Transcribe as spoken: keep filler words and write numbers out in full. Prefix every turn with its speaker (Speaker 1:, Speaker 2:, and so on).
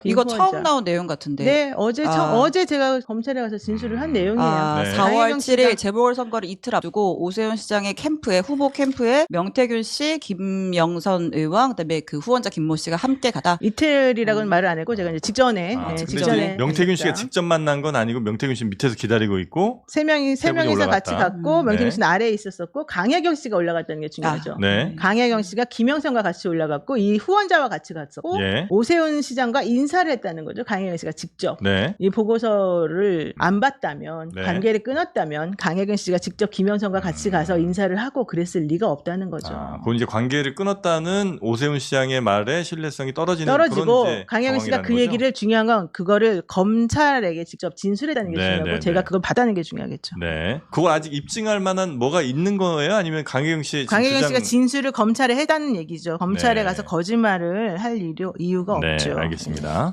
Speaker 1: 이거
Speaker 2: 후원자.
Speaker 1: 처음 나온 내용 같은데.
Speaker 2: 네, 어제 처,
Speaker 1: 아.
Speaker 2: 어제 제가 검찰에 가서 진술을 한 내용이에요.
Speaker 1: 아,
Speaker 3: 네.
Speaker 1: 사월
Speaker 2: 강혜경
Speaker 1: 칠일
Speaker 2: 씨가
Speaker 1: 재보궐선거를 이틀 앞두고 오세훈 시장의 캠프에 후보 캠프에 명태균 씨, 김영선 의원, 그다음에 그 후원자 김모 씨가 함께 가다.
Speaker 2: 이틀이라고는
Speaker 1: 음.
Speaker 2: 말을 안 했고 제가 이제 직전에
Speaker 3: 아,
Speaker 2: 네,
Speaker 3: 근데
Speaker 2: 직전에
Speaker 3: 이제 명태균 씨가
Speaker 2: 했습니다.
Speaker 3: 직접 만난 건 아니고 명태균 씨 밑에서 기다리고 있고
Speaker 2: 세 명이 세
Speaker 3: 세 분이
Speaker 2: 명이서 같이
Speaker 3: 올라갔다.
Speaker 2: 갔고
Speaker 1: 음.
Speaker 2: 명태균
Speaker 3: 네.
Speaker 2: 씨는 아래에 있었었고 강혜경 씨가 올라갔다는 게 중요하죠.
Speaker 1: 아,
Speaker 3: 네.
Speaker 2: 강혜경 씨가 김영선과 같이 올라갔고 이 후원자와 같이 갔었고
Speaker 3: 예.
Speaker 2: 오세훈 시장과 인사를 했다는 거죠. 강혜경 씨가 직접.
Speaker 3: 네.
Speaker 2: 이 보고서를 안 봤다면
Speaker 3: 네.
Speaker 2: 관계를 끊었다면 강혜경 씨가 직접 김영선과 같이 가서 인사를 하고 그랬을 리가 없다는 거죠.
Speaker 3: 아, 그건 이제 관계를 끊었다는 오세훈 시장의 말에 신뢰성이 떨어지는
Speaker 2: 떨어지고
Speaker 3: 그런 이제
Speaker 2: 강혜경 씨가
Speaker 3: 상황이라는
Speaker 2: 그
Speaker 3: 거죠?
Speaker 2: 얘기를 중요한 건 그거를 검찰에게 직접 진술했다는 게
Speaker 3: 네,
Speaker 2: 중요하고
Speaker 3: 네,
Speaker 2: 제가
Speaker 3: 네.
Speaker 2: 그걸 받아낸 게 중요하겠죠.
Speaker 3: 네. 그걸 아직 입증할 만한 뭐가 있는 거예요? 아니면 강혜경 씨
Speaker 2: 강혜경
Speaker 3: 주장...
Speaker 2: 씨가 진술을 검찰에 해다는 얘기죠. 검찰에
Speaker 3: 네.
Speaker 2: 가서 거짓말을 할 이유, 이유가
Speaker 3: 네,
Speaker 2: 없죠.
Speaker 3: 알겠습니다.